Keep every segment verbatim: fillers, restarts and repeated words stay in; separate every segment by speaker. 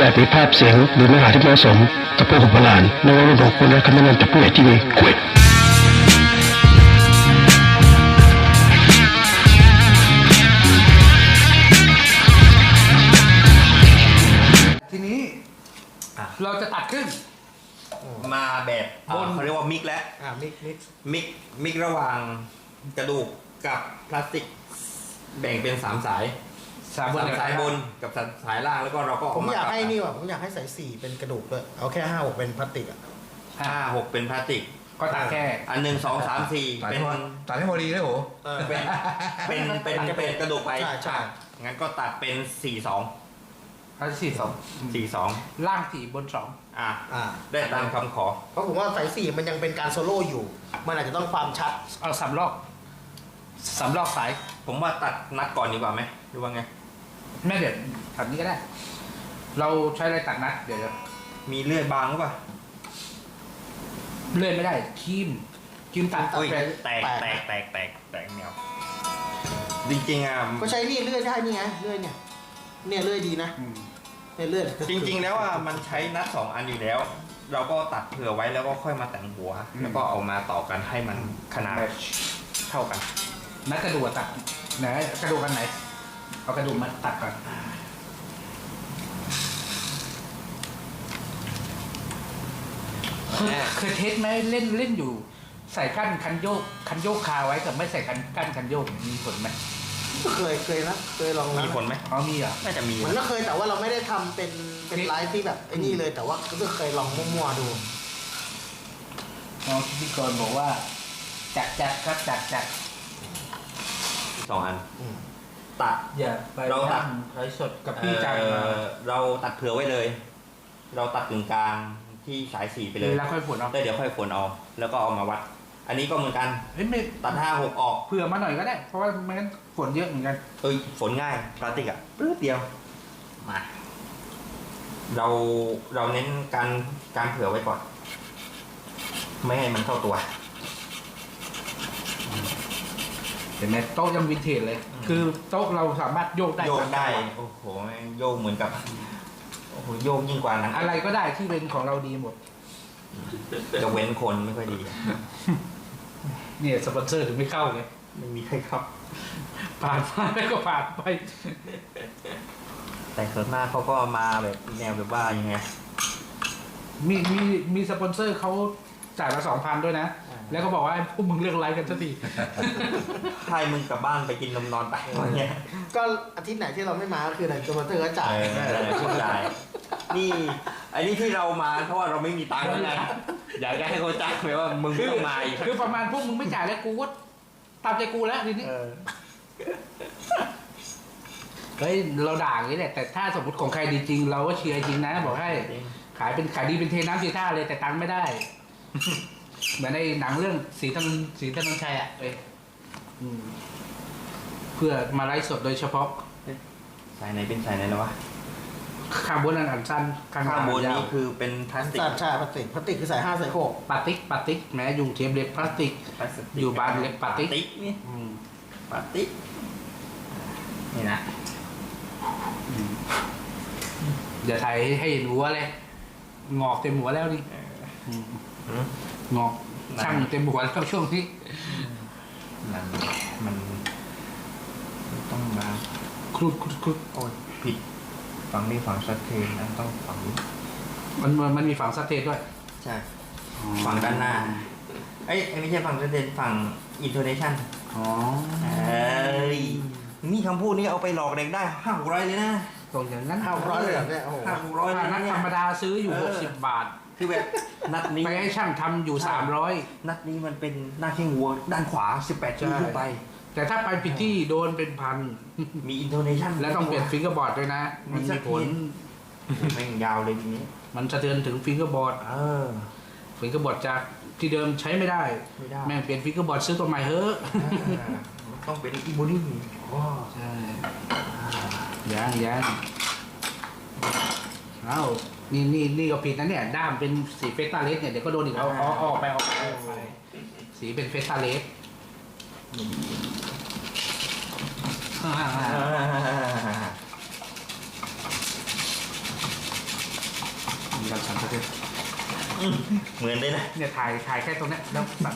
Speaker 1: อาจมีภาพเสียงหรือเนื้อหาที่ไม่เหมาะสมต่อผู้โบราณในวันนี้บอกคุณและคำแนะนำจากผู้ใหญ่ที่มีเกียรติ
Speaker 2: ทีนี้เราจะตัดขึ้น
Speaker 3: มาแบบบนเขาเรียกว่ามิกแล้ว
Speaker 2: อ่ามิกมิก
Speaker 3: มิกมิกระหว่างกระดูกกับพลาสติกแบ่งเป็นสามสาย
Speaker 2: สามบน
Speaker 3: สายบนกับสายล่างแล้วก็เราก็
Speaker 4: ผมอยากให้นี่ว่ะผมอยากให้สายสี่เป็นกระดูกด้วยเอาแค่ห้าหกเป็นพลาสติกอ่ะ
Speaker 3: ห้าหกเป็นพลาสติก
Speaker 2: ก็ตัดแค่
Speaker 3: อันหนึ่งสองสามสี่เป็น
Speaker 5: ตัดให้พอดีเลยโห
Speaker 3: เป็นเป็นเป็นเป็นกระดูกไป
Speaker 4: ใช่ใช่
Speaker 3: งั้นก็ตัดเป็นสี่สอง
Speaker 2: เขาสี่สอง
Speaker 3: สี่สอง
Speaker 2: ล่างสี่บนสอง
Speaker 3: อ่ะ
Speaker 4: อ่า
Speaker 3: ได้ตามคำขอ
Speaker 4: เพราะผมว่าสายสี่มันยังเป็นการโซโล่อยู่ มันอาจจะต้องความชัด
Speaker 2: เอาสามรอบสามรอบสาย
Speaker 3: ผมว่าตัดนัดก่อนดีกว่าไหมหรือว่าไง
Speaker 2: แม่เดี๋ยวทำนี้ก็ได้ เราใช้อะไรตัดนัดเดี๋ยว
Speaker 3: มีเลื่อยบางหรือเปล่า
Speaker 2: เลื่อนไม่ได้คีมคีมตัด
Speaker 3: โอ้ย
Speaker 4: แตก
Speaker 3: แตกแตกแตกแตกแตกแนวจริงๆอ่ะ
Speaker 4: ก็ใช้นี่เลื่อยได้นี่ไงเลื่อยเนี่ยเนี่ยเลื่อยดีนะ
Speaker 2: อืม
Speaker 4: เนี่ยเลื่อย
Speaker 3: จริงๆ แล้วอ่ะมันใช้นัดสองอันอยู่แล้ว เราก็ตัดเผื่อไว้แล้วก็ค่อยมาแต่งหัว แล้วก็เอามาต่อกันให้มันขนาดเท่ากัน
Speaker 2: นัดกระดูกตัดไหนกระดูกกันไหนเอากระดูกมาตัดก่อนเคยเคยเทสไหมเล่นเล่นอยู่ ใส่กั้นคันโยกคันโยกคาไว้กับไม่ใส่กันกั้นคันโยกมีผลไหม
Speaker 4: ก็เคยเคยนะเคยลองนะ
Speaker 3: มีผลไหม
Speaker 2: อ๋อมีเหรอ
Speaker 3: น่าจะมี
Speaker 4: มันก็เคยแต่ว่าเราไม่ได้ทำเป็นเป็นไลฟ์ที่แบบไอ้นี่เลยแต่ว่าก็เคยลองมั่วๆดู
Speaker 2: น้องพิธีกรบอกว่าจัดจัดครับจัดจัด
Speaker 3: สองอัน
Speaker 4: อืม
Speaker 3: ตัด
Speaker 2: อย่าไป
Speaker 3: เราตัด
Speaker 2: ไลฟ์สดกับพี่จัง
Speaker 3: เอ่อเราตัดเผื่อไว้เลย เราตัดกึ่งกลางที่สายสี่ไปเลย
Speaker 2: แล้วค่อยผลเอา
Speaker 3: แล้วเดี๋ยวค่อยฝนเอา แล้วก็เอามาวัด อันนี้ก็เหมือนกัน
Speaker 2: เฮ้ยไม่
Speaker 3: ตัดห้าหกออก
Speaker 2: เผื่อมาหน่อยก็ได้ เพราะว่าไม่งั้นฝนเยอะเหมือนกัน
Speaker 3: เอ้ยฝนง่ายพลาสติกอ่ะปื๊ดเดียวมาเราเราเน้นการการเผื่อไว้ก่อน ไม่ให้มันเข้าตัว
Speaker 2: เห็นไหมโต๊ะยังวินเทจเลย คือโต๊ะเราสามารถโยกได้
Speaker 3: โยกได้ โอ้โหแม่งโยกเหมือนกับโอ้โหโยกยิ่งกว่าหนัง
Speaker 2: อะไรก็ได้ที่เป็นของเราดีหมด
Speaker 3: จะเว้นคนไม่ค่อยดี
Speaker 2: เนี่ยสปอนเซอร์ถึงไม่เข้าไง
Speaker 3: ไม่มีใครครับ
Speaker 2: ผ่านมาแล้วก็ผ่านไป
Speaker 3: แต่ส่วนมากเขาก็มาแบบแนวแบบว่ายังไง
Speaker 2: มีมีมีสปอนเซอร์เขาจ่ายมาสองพันด้วยนะ
Speaker 3: อ่า
Speaker 2: แล้วก็บอกว่าให้พวกมึงเลือกไลฟ์กันสักที
Speaker 3: ให้มึงกลับบ้านไปกินนมนอนไปอย่างเงี้ย
Speaker 4: ก็อาทิตย์ไหนที่เราไม่มาก็คือไหนตัวมันเตอร์ก็จ่าย
Speaker 3: เออเข้าใจนี่อันนี้ที่เรามาเพราะว่าเราไม่มีตังค์แล้วไงอยากจะให้เขาจ้างไหมว่ามึงต้องมาอีก
Speaker 2: คือประมาณพวกมึงไม่จ่ายแล้วกูก็ตามใจกูแล้วทีนี้
Speaker 3: เออ
Speaker 2: เฮ้ยเราด่าอย่างนี้แหละแต่ถ้าสมมติของใครดีจริง เราก็เชียร์จริงนะบอกให้ขายเป็นขายดีเป็นเทน้ำสีท่าเลยแต่ตังค์ไม่ได้ เหมือนในหนังเรื่องสีถนนสีถนนชัยอ่ะเอ้ยอืมเพื่อมาไลฟ์สดโดยเฉพาะ
Speaker 3: สายไหนเป็นสายไหนนะวะ
Speaker 2: ข้างบนอันอันสั้นข้าง
Speaker 3: ข้างบน
Speaker 2: ยา
Speaker 3: นี้
Speaker 2: ว
Speaker 3: คือเป็นพลาสติก
Speaker 4: ใช่ใช่พลาสติกพลาสติกคือใส่ห้าใส่หก
Speaker 2: ปาติกปาติกแม้อยู่เทปเล็บพลาสติก
Speaker 3: พลาสติก
Speaker 2: อยู่บ้านเล็กปาติ๊ก
Speaker 3: นี่
Speaker 2: อืม
Speaker 3: ปาติกนี่นะ
Speaker 2: เดี๋ยวถ่ายให้เห็นหัวเลยงอกเต็มหัวแล้วนี่มงอกช่างเต็มหัวแล้วช่วงนี้
Speaker 3: มันมันต้องมา
Speaker 2: ครุดครุดครุด
Speaker 3: โอ้ยผิดฝั่งนี้ฝั่งชัดเจนนะต้องฝั่งนี้
Speaker 2: มันมันมันมีฝั่งสเตทด้วย
Speaker 3: ใช่ฝั่งด้านหน้าเอ้ยไม่ใช่ฝั่งชัดเจนฝั่งอินโทเนชั่น
Speaker 2: อ๋อ
Speaker 3: เอ้ยนี่คำพูดนี้เอาไปหลอกเด็กได้ห้าหกร้อยเลยนะ
Speaker 2: ตรงอย่างนั้น
Speaker 4: ห้าร้อยเลยเหรอเนี่ยโอ้โห
Speaker 3: ห้าหกร้อย
Speaker 2: ถ้า
Speaker 3: เลย
Speaker 2: นัด
Speaker 3: เนี่
Speaker 2: ธ
Speaker 3: ย
Speaker 2: รรมดาซื้ออยู่
Speaker 3: เออ
Speaker 2: หกสิบบาท
Speaker 3: คือแบบนัดนี้
Speaker 2: ไปให้ช่างทำอยู่สามร้อย
Speaker 3: นัดนี้มันเป็นหน้าแข้งวัวด้านขวาสิบแปดชิ้นขึ้นไป
Speaker 2: แต่ถ้าไปผิดที่โดนเป็นพัน
Speaker 3: มีอินโทเนชั่น
Speaker 2: แล้วต้องเปลี่ยนฟิงเกอร์บอร์ดด้วยนะ มันมีผล
Speaker 3: แม่งยาวเลยทีนี้
Speaker 2: มันสะเทือนถึงฟิงเกอร์บอร์ด
Speaker 3: เออ
Speaker 2: ฟิงเกอร์บอร์ดจากที่เดิมใช้ไม่ได้
Speaker 3: ไม่ได้
Speaker 2: แม่งเปลี่ยนฟิงเกอร์บอร์ดซื้อตัวใหม่เฮ้อะ
Speaker 3: ต้องเป็นอีโบนี่ว้า
Speaker 2: ใช่ยังยังเอ้านี่นี่นี่ก็ผิดนะเนี่ย ด้ามเป็นสีเฟสตาเลสเนี่ย เดี๋ยวก็โดนอีกเอาเอาเอาออกไปเอาออกไปเอาออกไปสีเป็นเฟสตาเลสอ่ามีการสั่นสะเทือน
Speaker 3: เหมือนเลยนะ
Speaker 2: เนี่ยถ่ายถ่ายแค่ตรงเนี้ยแล้วสั่น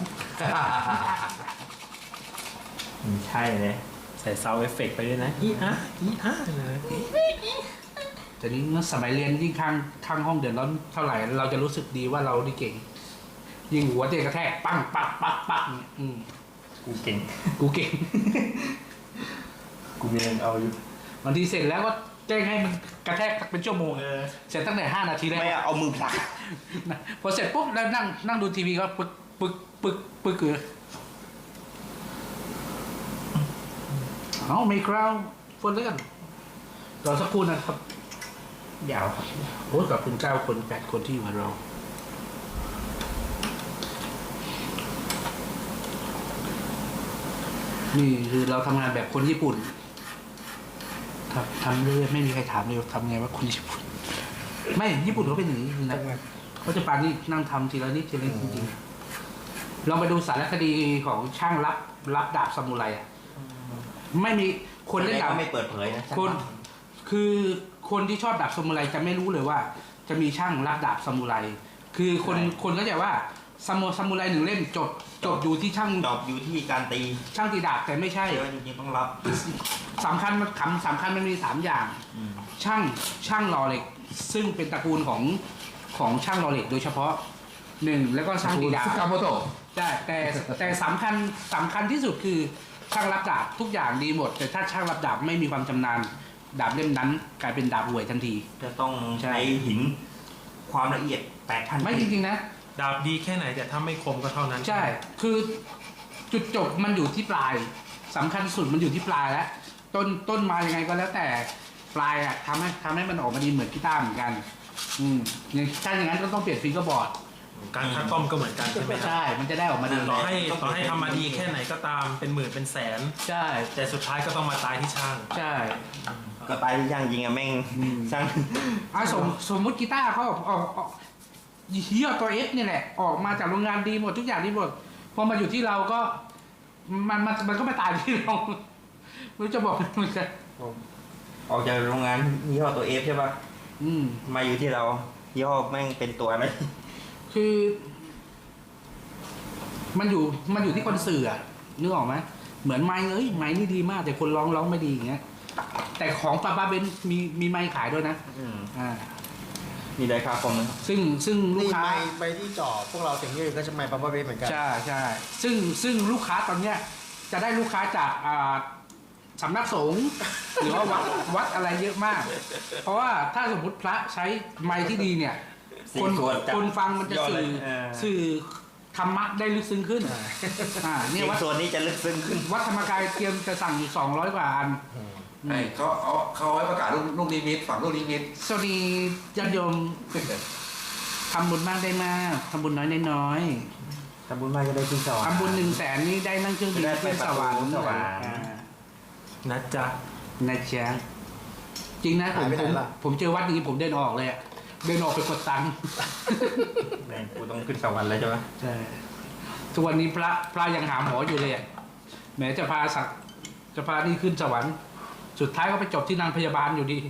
Speaker 3: อืมใช่เลย
Speaker 5: ใส่ซาวด์เอฟเฟกต์ไปด้วยนะอีฮะอีฮะเลย
Speaker 2: แต่นี้เมื่อสมัยเรียนยิ่งข้างข้างห้องเดือดร้อนเท่าไหร่เราจะรู้สึกดีว่าเราดีเก่ง ยิงหัวเตะกระแทกปังปักปักปักเนี่ยอืม
Speaker 3: กูเก่ง
Speaker 2: กูเก่ง
Speaker 3: กูมีเงินเอาอยู่
Speaker 2: บางทีเสร็จแล้วก็แจ้งให้มันกระแทกเป็นชั่วโมง
Speaker 3: เออ
Speaker 2: เสร็จตั้งแต่ห้านาทีแรก
Speaker 3: ไม่เอามือผลัก
Speaker 2: นะพอเสร็จปุ๊บแล้วนั่งนั่งดูทีวีก็ปึกปึกปึกปึกเกลือเอาไม่คราวฝนเลื่อนรอสักครู่นะครับ
Speaker 3: ยาวครับ
Speaker 2: โอ้กับคุณเก้าคนแปดคนที่อยู่กับเรานี่คือเราทำงานแบบคนญี่ปุ่นทำทำเรื่อยๆไม่มีใครถามเลยว่าทำไงว่าคนญี่ปุ่น ไม่ญี่ปุ่นเขาเป็นอย่างนี้จริงๆนะเขาจะปานี่นั่งทำทีละนิดทีละนิดจริงๆลองไปดูสารคดีของช่างรับรับดาบซามูไรอ่ะไม่มีคนเล่นดาบ
Speaker 3: ไม่เปิดเผยนะ
Speaker 2: คนคือคนที่ชอบดาบซามูไรจะไม่รู้เลยว่า จะมีช่างรับดาบซามูไรคือคนคนก็จะว่าซามูซามูไรหนึ่งเล่มจบจบอยู่ที่ช่าง
Speaker 3: ดอกอยู่ที่การตี
Speaker 2: ช่างตีดาบแต่ไม่ใช่
Speaker 3: เดี๋ยวจริงๆต้องรับ
Speaker 2: สำคัญมันคำสำคัญมันมีสามอย่าง ช่างช่างหล่อเหล็ก ซึ่งเป็นตระกูลของของช่างหล่อเหล็กโดยเฉพาะหนึ่งแล้วก็ช่างตีดาบ
Speaker 1: สึกาโมโตะ
Speaker 2: ใช่แต่แต่สำคัญสำคัญที่สุดคือช่างรับดาบทุกอย่างดีหมด แต่ถ้าช่างรับดาบไม่มีความชำนาญดาบเล่มนั้นกลายเป็นดาบห่วยทันที
Speaker 3: จะต้องใช้หินความละเอียดแปดพัน
Speaker 2: ไม่จริงๆนะ
Speaker 5: ดาบดีแค่ไหนแต่ถ้าไม่คมก็เท่านั้น
Speaker 2: ใช่ คือจุดจบมันอยู่ที่ปลายสำคัญสุดมันอยู่ที่ปลายแล้วต้นต้นมายังไงก็แล้วแต่ปลายอะทำให้ทำให้มันออกมาดีเหมือนกีตาร์เหมือนกัน อืมอย่างถ้าอย่างนั้นก็ต้องเปลี่ยนฟิงเกอร์บอร์ด
Speaker 5: การคัดต้อมก็เหมือนกันใช่ไหมครับ
Speaker 2: ใช่ มันจะได้ออกมาดี
Speaker 5: ต่อให้ต่อให้ทำมาดีแค่ไหนก็ตามเป็นหมื่นเป็นแสน
Speaker 2: ใช่
Speaker 5: แต่สุดท้ายก็ต้องมาตายที่ช่าง
Speaker 2: ใช่
Speaker 3: ก็ตายที่ช่างจริงอะแม่งช่าง
Speaker 2: อ่ะสมสมมุติกีตาร์เขาออกออกออกเฮียตัวเอฟนี่แหละ ออกมาจากโรงงานดีหมดทุกอย่างดีหมดพอมาอยู่ที่เราก็ มันมันมันก็ไม่ตายที่เราไม่รู้จะบอกมันจะ
Speaker 3: ออกจากโรงงานยี่ห้อตัวเอฟใช่ปะ
Speaker 2: อืม
Speaker 3: มาอยู่ที่เรายี่ห้อแม่งเป็นตัวอะไร
Speaker 2: คือ มันอยู่มันอยู่ที่คนสื่ออะนึกออกไหมเหมือนไม้เอ้ยไม้นี่ดีมาก แต่คนร้องร้องไม่ดีอย่างเงี้ย แต่ของป้าป้าเบนมีมีไม้ขายด้วยนะ
Speaker 3: อืม
Speaker 2: อ่า
Speaker 3: มีไดคาคอมนะครับ
Speaker 2: ซึ่งซึ่งลูก
Speaker 4: นี่
Speaker 2: ค้า
Speaker 4: ไม้ใบที่จ่อพวกเราเสียงยืดก็จะไม้ปั๊มเบสเหมือนกัน
Speaker 2: ใช่ใช่ซึ่งซึ่งลูกค้าตอนเนี้ย จะได้ลูกค้าจากอ่าสำนักสงฆ์หรือว่าวัดวัดอะไรเยอะมาก เพราะว่าถ้าสมมติพระใช้ไม้ที่ดีเนี่ย คน
Speaker 3: สี่ส่วนจัด
Speaker 2: คนฟังมันจะ
Speaker 3: ยอด
Speaker 2: สื่อ
Speaker 3: เลยเออ
Speaker 2: สื่อธรรมะได้ลึกซึ้งขึ้นอ่า
Speaker 3: เสี
Speaker 2: เนี่ย
Speaker 3: ยง
Speaker 2: วัด
Speaker 3: ส่วนนี้จะลึกซึ้งขึ้น
Speaker 2: วัดธรรมกายเตรียมจะสั่งสองร้อยกว่าอัน
Speaker 6: ไอ้เขาเอาเขาเอาไว้ประกาศลูกลูกนิมิตฝั่งลูกนิมิต
Speaker 2: สวัสดีญาติโยมทำบุญมากได้มากทำบุญน้อยได้น้อย
Speaker 3: ทำบุญมากจะได้ขึ้นสวรรค์
Speaker 2: ทำบุญหนึ่งแสนนี่ได้นั่งเครื่องบิน
Speaker 3: ได้ไป
Speaker 2: ขึ้นสวรรค์
Speaker 3: ประตูสวรรค์
Speaker 2: อ่า
Speaker 5: นะจ๊ะ
Speaker 2: นะจ๊ะจริงนะผม
Speaker 4: หายไปไห
Speaker 2: ผ
Speaker 4: น
Speaker 2: ม
Speaker 4: ล่ะ
Speaker 2: ผมเจอวัดนี้ผมเดินออกเลยอะเดินออกไปกดตังค์
Speaker 3: แม่งกูต้องขึ้นสวรรค์แล้วใช่ไหม
Speaker 2: ใช่ทุกวันนี้พระพระยังหาหมออยู่เลยอะแหมจะพาสักจะพานี่ขึ้นสวรรค์สุดท้ายก็ไปจบที่นางพยาบาลอยู่ดี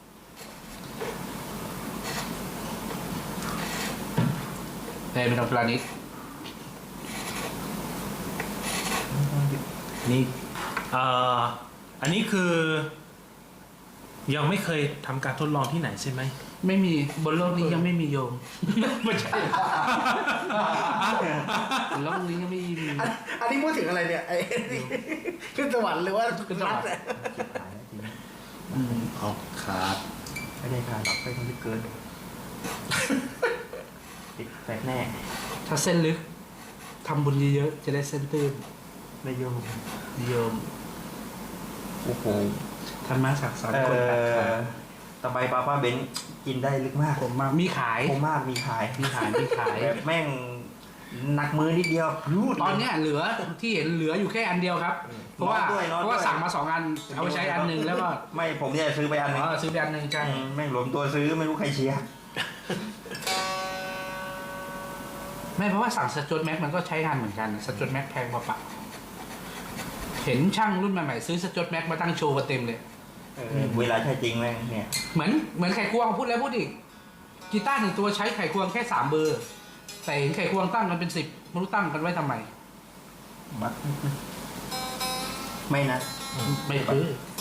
Speaker 2: แต่เป็นองปลานิด
Speaker 5: นี่เอ่ออันนี้คือ ยังไม่เคยทำการทดลองที่ไหนใช่ไหม
Speaker 2: ไม่มีบนโลกนี้ยังไม่มีโยม ไม่ใช่บนโลกนี้ยังไม่มี
Speaker 4: อันอันนี้พูดถึงอะไรเนี่ยไอ้นี่ขึ้นสวรรค์หรือว่า
Speaker 2: ขึ้นสวรรค์
Speaker 4: รัฐอะ
Speaker 2: อืม
Speaker 1: เอาขาด
Speaker 3: ไม่ได้ค่ะหรอกไปคนที่เกินติดแปดแน่
Speaker 2: ถ้าเส้นลึกทำบุญเยอะๆจะได้เส้นตื้น
Speaker 3: ได้โยม
Speaker 2: โยม
Speaker 3: โอ้โห
Speaker 2: ธรรมะศักดิ์สอน
Speaker 3: เอ่
Speaker 2: คนตัดขา
Speaker 3: อตะไบปลาป้าเบนกินได้ลึกมาก
Speaker 2: ผมมามีขาย
Speaker 3: โคมากมีขาย
Speaker 2: มีขายมีขาย
Speaker 3: แบบแม่งหนักมือนิดเดียวรูด
Speaker 2: ตอนเนี้ยเหลือที่เห็นเหลืออยู่แค่อันเดียวครับ เพราะว่า
Speaker 3: น้อยด้วยน้อยด้วย
Speaker 2: เพราะว่าสั่งมาสองอันเอาไปใช้อันหนึ่งแล้วก็
Speaker 3: ไม่ผมเนี่ยซื้อไปอันหนึง
Speaker 2: อ๋อซื้อไปอันหนึ่งใช่
Speaker 3: อืมแม่งรวมตัวซื้อไม่รู้ใครเชียร์
Speaker 2: ไม่เพราะว่าสั่งสจวตแม็กมันก็ใช้งานเหมือนกันสจวตแม็กแพงกว่าปะเห็นช่างรุ่นใหม่ๆซื้อสจวตแม็กมาตั้งโชว์กันเต็มเลย
Speaker 3: เออเวลาใช้จริงแม่งเนี่ย
Speaker 2: เหมือนเหมือนไข่ควงพูดแล้วพูดอีกกีตาร์หนึ่งตัวใช้ไขควงแค่สามเบอร์ แต่เห็นไขควงตั้งกันเป็นสิบไม่รู้ตั้งกันไว้ทำไม
Speaker 3: มัดไม่นะ
Speaker 2: ไม่ซื้อ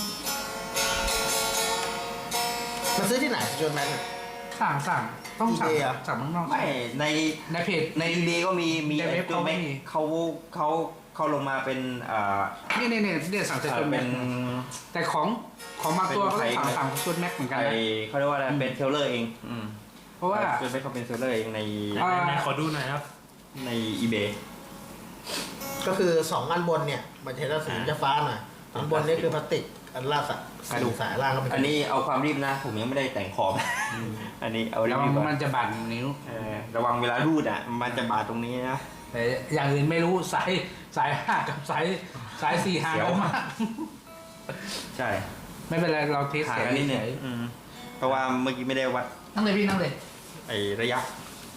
Speaker 4: มาซื้อที่ไหนจนแมน
Speaker 2: สั่งสั่งต้องสั่ง
Speaker 4: eBay อะ
Speaker 2: สั่งเมืองนอก
Speaker 3: ไม่ใน
Speaker 2: ในเพจ
Speaker 3: ในเบก็มีมี
Speaker 2: ในเว็บ
Speaker 3: ตัว
Speaker 2: เขาไม่
Speaker 3: แม็ก
Speaker 2: มี
Speaker 3: เขาเขาเขาลงมาเป็นอ่า
Speaker 2: นี่นี่นี่เนี่ยสั่งจาก
Speaker 3: เอ่
Speaker 2: จ
Speaker 3: อน เป็
Speaker 2: แม็
Speaker 3: น
Speaker 2: กแต่ของของบางตัว
Speaker 3: เป็น
Speaker 2: เขา
Speaker 3: ไทย
Speaker 2: สั่งสั่งจนแม็กเหมือนกัน
Speaker 3: ไอ
Speaker 2: นะ
Speaker 3: เขาเรียกว่าอะไรเป็นเทเลอร์เองอืม
Speaker 2: เพราะว่า
Speaker 3: จนเป็นเขาเป็นเทเลอร์เองใน
Speaker 2: อ่า
Speaker 5: ไหนๆขอดูหน่อยครับ
Speaker 3: ในอีเบ
Speaker 4: ก็คือสองอันบนเนี่ยมันจะได้สีจะฟ้าหน่อยอันบนนี่คือพลาสติกอันล่างสะกระดูกสายล่างก็เป็น
Speaker 3: อันนี้เอาความรีบนะผมยังไม่ได้แต่งขอบอันนี้เอารี
Speaker 2: แล้ว
Speaker 3: บๆก่อน
Speaker 2: มันจะบาดนิ้ว
Speaker 3: เออระวังเวลารูดอ่ะมันจะบาดตรงนี้นะ
Speaker 2: แต่อย่างอื่นไม่รู้สายสายห้ากับสายสายสี่ห่างกันมาก
Speaker 3: ใช่
Speaker 2: ไม่เป็นไรเราเทส
Speaker 3: ห่าง
Speaker 2: เสียง
Speaker 3: กันนิดนึง
Speaker 2: เฉย
Speaker 3: อืมเพราะว่าเมื่อกี้ไม่ได้วัด
Speaker 2: ๆนั่งเลยพี่นั่งเลย
Speaker 3: ไอระยะ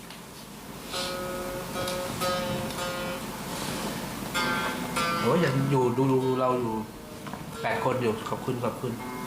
Speaker 2: โอ้ยยังอยู่ดูดูเราอยู่แปดคนอยู่ขอบคุณขอบคุณ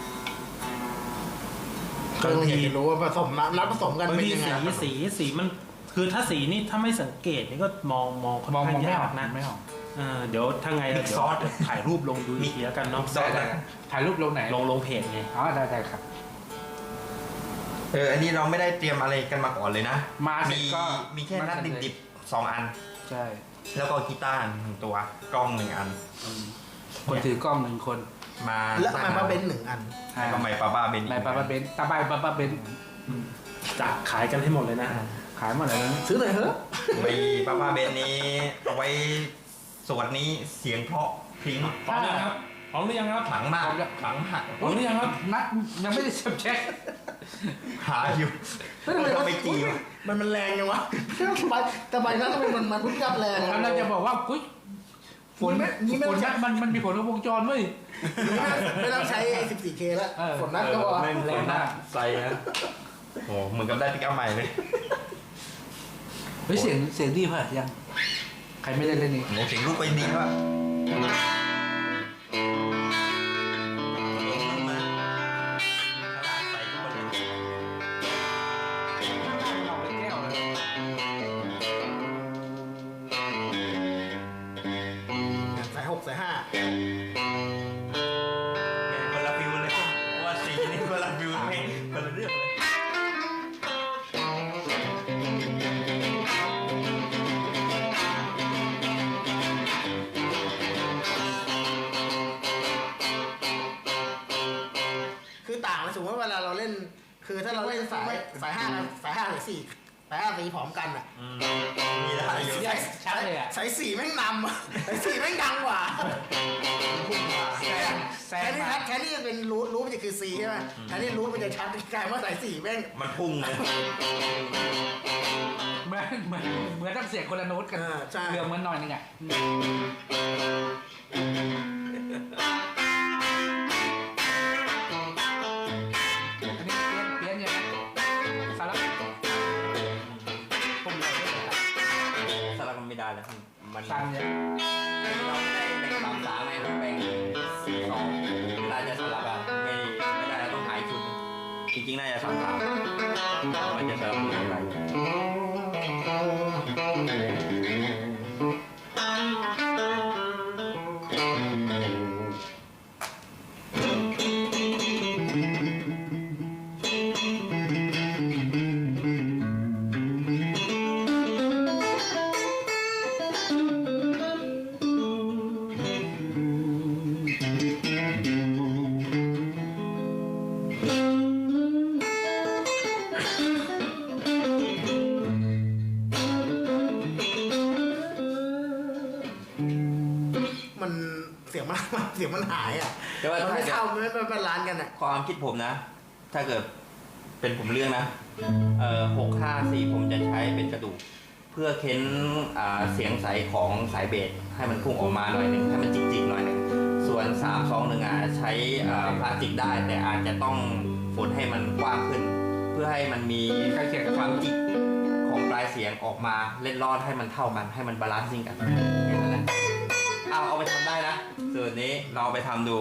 Speaker 4: ก็ต้องอยากจะรู้ว่าผสมน้ำน้ำผสมกัน
Speaker 5: บาง
Speaker 4: เป็น
Speaker 5: ที
Speaker 4: ยังไง
Speaker 5: สีสีสีมันคือถ้าสีนี่ถ้าไม่สังเกตนี่ก็มองมองค่อน
Speaker 2: มอง
Speaker 5: ข้าง
Speaker 2: มองไม่
Speaker 5: ยา
Speaker 2: ออก
Speaker 5: กนะ
Speaker 2: ไม่ออก
Speaker 5: เออเดี๋ยวถ้าไงเดี๋ยวถ่ายรูปลงดูอีกทีแล้วกันเนาะ
Speaker 2: ได้ได้ถ่ายรูปลงไหน
Speaker 5: ลงลงเพจไง
Speaker 2: อ๋อได้ได้ครับ
Speaker 3: เอออันนี้เราไม่ได้เตรียมอะไรกันมาก่อนเลยนะ
Speaker 2: มาเสร็
Speaker 3: มี
Speaker 2: จก็
Speaker 3: มีแค่นัด
Speaker 2: มาเสร็จเลย
Speaker 3: ดิบๆสองอัน
Speaker 2: ใช่
Speaker 3: แล้วก็กีตาร์หนึ่งตัวกล้องหนึ่งอัน
Speaker 2: คนถือกล้องหนึ่งคน
Speaker 3: มา
Speaker 4: แล้วมันมาเป็นหนึ่งอัน
Speaker 3: แล้วก็ไมค์ปาบ้าเบน
Speaker 2: นายปาปาเบนตาบายปาปาเบน
Speaker 5: จะขายกันให้หมดเลยนะ
Speaker 2: ขายหมดเลยนะ
Speaker 4: ซื้อหน่อยเถอะ
Speaker 3: ไมค์ปาบ้าเบนนี้เอาไว้สวดนี้เสียงเพราะพริ้ง
Speaker 5: พร้อมหรือยังครับพร้อมหรือยังครับ
Speaker 3: ขลังมากขลังมาก
Speaker 5: พร้อมหรือยังครับ
Speaker 2: นัดยังไม่ได้เช็ค
Speaker 3: หาอยู่
Speaker 4: เฮ้ยทำไม
Speaker 3: ก็
Speaker 4: วะ
Speaker 3: ไม่จีบ
Speaker 4: มันมันแรงยังวะสบายแต่ใบนั้นทำไมมันมันพุ่งกลับแรง
Speaker 2: แล้วเราจะบอกว่ากุ้ยฝน
Speaker 4: นี่ไม่
Speaker 2: ฝ
Speaker 4: ต้อน งใช้
Speaker 2: มันมันมีผลกับวงจรเว้ย
Speaker 4: ไม่ต้องใช้ สิบสี่เค แล้ว
Speaker 2: เออ
Speaker 4: ฝนนั้นก็พอ
Speaker 3: ไม่แรงมากใส่นะโอ้เหมือนกับได้ปิกอัพใหม่เลย
Speaker 2: เฮ้ยเสียงเสียงดีป่ะยังใครไม่ได้เล่นนี่
Speaker 3: โอ้เสียงลูกไปดีว่ะใส่ทุกคนเลย
Speaker 2: เอาไปแก้วเลย
Speaker 4: สายหกสายห้า
Speaker 3: คนละฟิวเลยว่าสีนี่คนละฟิวเพลงคนละเรื่องเลย
Speaker 4: คือต่างเลยสมมติว่าเวลาเราเล่น คือถ้าเราเล่นสายสายห้าสายห้าหรือสี่สายห้าสีพร้อมกันอ่ะ
Speaker 3: มีได้อยู่
Speaker 2: ใช่ชัดเลยอ่ะ
Speaker 4: สายสี่แม่งนำอะสายสี่แม่งดังกว่า
Speaker 2: แซงแซ
Speaker 4: แค่
Speaker 2: ง
Speaker 4: นี้
Speaker 2: มา
Speaker 4: แค่นี้เป็นรูทรูทมันจะคือ C ใช่ไหมแค่นี้รูทมันจะชัดกลายว่าสายสี่แม่ง
Speaker 3: มันพุ่งเลย
Speaker 2: เหมือนเหมือนเหมือนต้องเสียงคนละโน้ตกัน
Speaker 4: อ่าใช่
Speaker 2: เรื่องเหมือนหน่อยนึงอ่ะอันนี้เปลี่ยนเปลี่ยนยังไงสาระผมเลยไม่ได้
Speaker 3: สลับมันไม่ได้แล้วมัน
Speaker 2: สั่งเนี่ย
Speaker 3: เราไม่ได้แบ่งสามสามไงเราแบ่งสี่สองเวลาจะสลับอะไม่ไม่ได้เราต้องหายชุดจริงๆน่าจะสามสามมันจะสลับมืออะไร
Speaker 4: มันเสียงมันเสียงมันหายอ่ะ
Speaker 3: แต่ว่า
Speaker 4: มัน
Speaker 3: ถ้า
Speaker 4: ไม่
Speaker 3: จะ
Speaker 4: เข้าไม่ไม่เป็นร้านกันอ่ะ
Speaker 3: ความคิดผมนะ ถ้าเกิดเป็นผมเลือกนะ เอ่อหกห้าสี่ผมจะใช้เป็นกระดูก เพื่อเค้นอ่าเสียงใสของสายเบสให้มันพุ่งออกมาหน่อยหนึ่งให้มันจิกๆหน่อยหนึ่งส่วนสามสองหนึ่งอ่ะใช้อ่าพลาสติกได้ แต่อาจจะต้องฝนให้มันกว้างขึ้น เพื่อให้มันมี
Speaker 2: ใกล้เคียงกับ
Speaker 3: ความจิกของปลายเสียงออกมาเล่นรอดให้มันเท่ากันให้มันบาลานซิ่งกันแค่นั้นแหละเอาเอาไปทำได้นะส่วนนี้เราไปทำดู